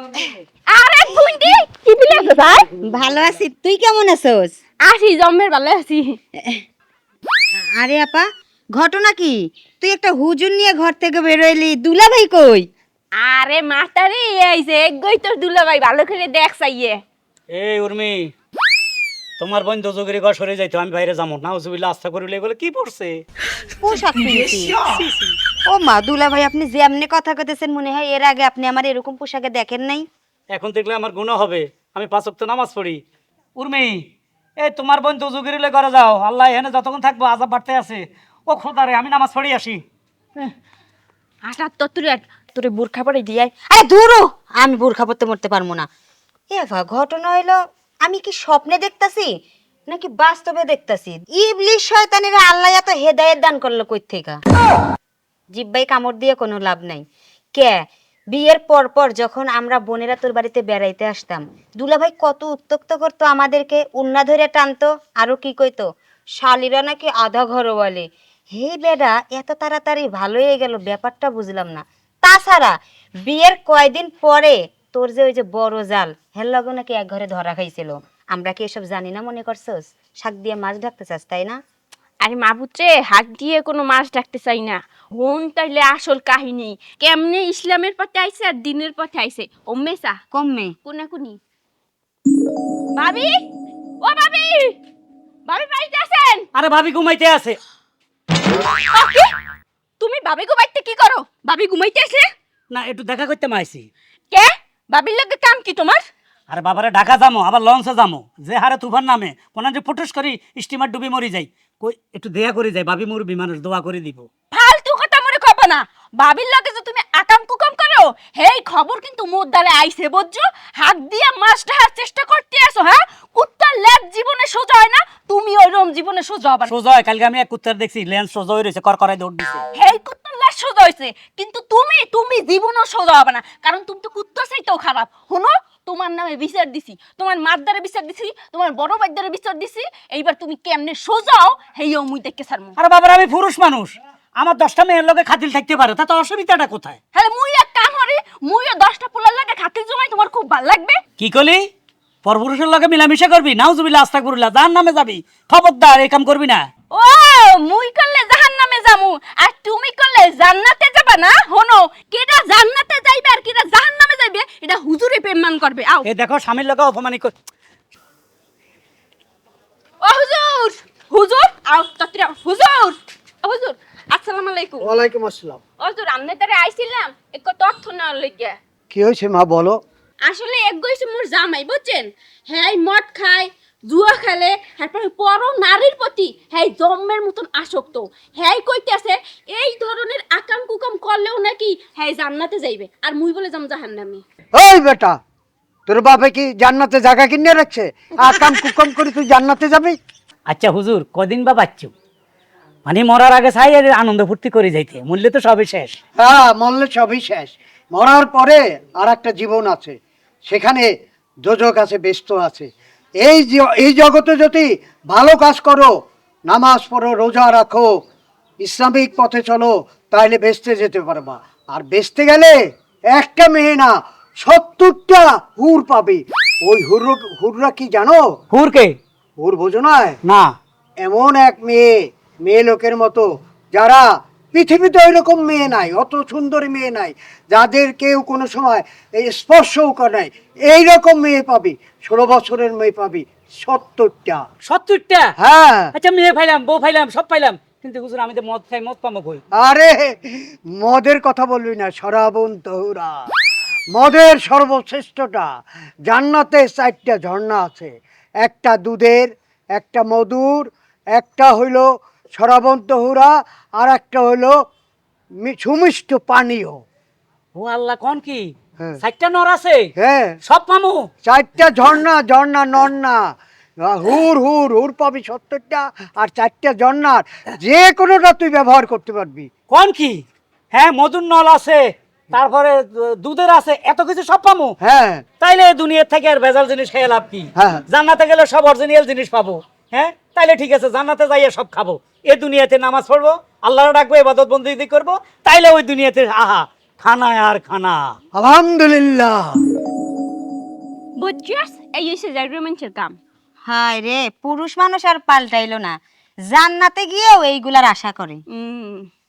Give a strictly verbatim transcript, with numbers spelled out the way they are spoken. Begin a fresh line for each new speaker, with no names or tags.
আরে বুন্ডি কি বিলে আছে ভাই?
ভালো আছি, তুই কেমন আছোস?
আসি জম্মের ভালো আছি।
আরে আপা, ঘটনা কি? তুই একটা হুজুর নিয়ে ঘর থেকে বেরোইলি, দুলাভাই কই?
আরে মাস্টারে আইছে একগই তোর দুলাভাই ভালো করে দেখ চাইয়ে।
এই উর্মি, তোমার বোন দোজগিরি ঘর সরে যাইতো, আমি বাইরে যাবো না। উজুবিল্লাহ আস্থা করিলে এগুলো কি পড়ছে?
পোশাক পিনছি। ও মা, দুলাভাই আপনি যে এমনি কথা কইতেছেন মনে হয় এর আগে আপনি আমার এরকম পোশাকে দেখেন নাই।
এখন দেখলে আমার গুনাহ হবে, আমি পাঁচ ওয়াক্ত নামাজ পড়ি। উর্মি, এই তোমার বোন দোজগিরিলে ঘরে যাও, আল্লাহ এখানে যতক্ষণ থাকবো আজাব বাড়তে আছে। ও খোদারে, আমি নামাজ পড়ি আসি।
আটা তোর তোর তোর বোরখা পরে দিয়াই।
আরে দূরও, আমি বোরখা পরতে মরতে পারবো না। এ ভা, ঘটনা হইলো আমি কি স্বপ্নে দেখতাছি নাকি বাস্তবে দেখতাছি? ইবলিশ শয়তানেরা আল্লাহ এত হেদায়েত দান করলো কই থেকে? জিব্বাই কামড় দিয়ে কোনো লাভ নাই। কে বিয়ের পর পর যখন আমরা বোনেরা তোর বাড়িতে বেড়াইতে আসতাম, দুলাভাই কত উত্তক্ত করতো আমাদেরকে, উন্না ধরে টানতো, আরো কি কইতো শালিরা নাকি আধা ঘর বলে। হে বেডা, এত তাড়াতাড়ি ভালো হয়ে গেল ব্যাপারটা বুঝলাম না। তাছাড়া বিয়ের কয়দিন পরে তোর যে ওই যে বড় জাল হের লগে নাকি এক ঘরে ধরা খাইছিল। আমরা কি এসব জানি না মনে করছস? শাক দিয়ে মাছ ঢাকতে চাস তাই না?
আরে মাবুত্রে হাত দিয়ে কোনো মাছ ডাকতে চাই না। হন তাইলে আসল কাহিনী কেমনে ইসলামের পথে আইছে আর দিনের পথে আইছে। ওম্মেসা
কমে
কোনা কোনি ভাবি, ও ভাবি, ভাবি বাড়িতে আছেন?
আরে ভাবি ঘুমাইতে আছে।
ওকে, তুমি ভাবি ঘুমাইতে কি করো? ভাবি ঘুমাইতে আছে
না, একটু দেখা করতে মাইছি।
কে? ভাবির লগে কাম কি তোমার?
আরে বাবারে, ঢাকা যামো, আবার লঞ্চে যামো, যে হারে তুফান নামে কোন যে ফুটুস করি স্টিমার ডুবি মরি যাই। কই একটু দেয়া করে যাই, ভাবি মুরবি মানুষ, দোয়া করে দিব।
ফালতু কথা মরে কব না। ভাবির লগে যে তুমি আকাম কুকাম করো, হেই খবর কিন্তু মোর দ্বারে আইছে বুঝছো। হাত দিয়া মাছ ঢাকার চেষ্টা করতে আসো, হ্যাঁ? কুত্তার লেজ জীবনে সোজা হয় না, তুমি ওইরকম জীবনে সোজা হবে না।
সোজা হয়? কালকে আমি এক কুত্তার দেখছি, লেন্স সোজা হয়ে রয়েছে, কর করাই দৌড় দিছে।
হেই কুত্তার লেজ সোজা হয়েছে, কিন্তু তুমি তুমি জীবনও সোজা হবে না, কারণ তুমি তো কুত্তার চাইতেও খারাপ। শুনো, তোমার নামে বিচার দিছি, তোমার মারদারে বিচার দিছি, তোমার বড় ভাইদারে বিচার দিছি। এইবার তুমি কেমনে সোজাও হেইও মুই দেখকে ছাড়মু।
আরে বাবারে, আমি পুরুষ মানুষ, আমার দশটা মেয়ের লগে খাতিল থাকতে পারে, তাতে অসুবিধাটা কোথায়?
হ্যাঁ, মুই এক কাম করি, মুইও দশটা পোলার লাগে খাতির জমাই, তোমার খুব ভালো লাগবে।
কি কলি? পরপুরুষের লগে মিলামিশা করবি? নাউজুবিল্লাহ আস্তাগফিরুল্লাহ, জাহান নামে যাবি। খবরদার, এই কাম করবি না।
ও, মুই করলে জাহান্নামে যামু আর তুমি করলে জান্নাতে যাবে না? হনো, কেডা জান্নাতে যাইবে আর কেডা জাহান্নামে যাইবে এটা হুজুরে পেমান করবে। আও
এ দেখো, স্বামীর লগে অপমানি কর।
ও হুজুর, হুজুর আও তত্রা হুজুর, ও হুজুর আসসালামু আলাইকুম।
ওয়ালাইকুম আসসালাম।
ও হুজুর, আমনে তারে আইছিলাম এক তথ্য নেওয়ার লাগিয়া।
কি হয়েছে মা, বলো।
আসলে এক গইছে মোর জামাই বুঝছেন, হ্যাঁ মদ খায়, জুয়া খেলে, তারপরে পর নারীর প্রতি হ্যাঁ জম্মের মতন আসক্ত। হ্যাঁ কইতেছে এই ধরনের আকাম কুকাম করলেও নাকি হ্যাঁ জান্নাতে যাইবে, আর মুই বলে যাম জাহান্নামে।
ওই বেটা, তোর বাপে কি জান্নাতে জায়গা কিনে রাখছে? আকাম কুকাম করে তুই জান্নাতে যাবি?
আচ্ছা হুজুর, কদিন বা বাচ্চু, মানে মরার আগে চাই আর আনন্দ ফুর্তি করে যাইতে, মূল্যে তো সবই শেষ।
হ্যাঁ, মরলে সবই শেষ। মরার পরে আর একটা জীবন আছে, সেখানে যোজক আছে, ব্যস্ত আছে। এই জ- এই জগতে যদি ভালো কাজ করো, নামাজ পড়ো, রোজা রাখো, ইসলামিক পথে চলো, তাহলে বেচতে যেতে পারবা। আর বেচতে গেলে একটা মেয়ে না, সত্তরটা হুর পাবে। ওই হুর হুররা কি জানো?
হুরকে?
হুর বোঝো না?
না।
এমন এক মেয়ে, মেয়ে লোকের মতো, যারা পৃথিবীতে ওই রকম মেয়ে নাই, অত সুন্দরী মেয়ে নাই, যাদের কেউ কোনো সময় এই স্পর্শও করে নাই, এইরকম মেয়ে পাবি। ষোলো বছরের মেয়ে পাবি সত্তরটা।
সত্তরটা?
হ্যাঁ।
আচ্ছা, মেয়ে ফাইলাম, বউ ফাইলাম, সব ফাইলাম, কিন্তু হুজুর আমি তো মদ খাই, মদ পামো কই?
আরে মদের কথা বলবি না, শরাবুন তহুরা, মদের সর্বশ্রেষ্ঠটা। জান্নাতে চারটা ঝর্ণা আছে, একটা দুধের, একটা মধুর, একটা হইল শরাবুন তহুরা, আর একটা হইল মি- সুমিষ্ট পানীয়।
ও আল্লাহ, কোন কি?
হ্যাঁ।
চারটা নর আছে?
হ্যাঁ,
সব পামু?
চারটা ঝর্ণা, ঝর্ণা নর না, হুর হুর হুর পাবি সত্তরটা, আর চারটা ঝর্ণার যে কোনোটা তুই ব্যবহার করতে পারবি।
কোন কি? হ্যাঁ, মধুর নল আছে, তারপরে দু- দুধের আছে, এত কিছু সব পামু?
হ্যাঁ।
তাইলে দুনিয়া থেকে আর ভেজাল জিনিস খেয়ে লাভ কি?
হ্যাঁ।
জান্নাতে গেলে সব অরিজিনাল জিনিস পাবো। হ্যাঁ, তাইলে ঠিক আছে, জান্নাতে যাইয়ে সব খাবো। এ দুনিয়াতে নামাজ পড়বো, আল্লাহর ডাকবো, ইবাদত বন্দেগী করবো, তাইলে ওই দুনিয়াতে আহা খানা আর খানা।
আলহামদুলিল্লাহ।
বুঝছস এই হইছে যাই রোমান্সের কাম।
হায় রে, পুরুষ মানুষ আর পাল্টাইলো না, জান্নাতে গিয়েও এইগুলার আশা করে।
হুম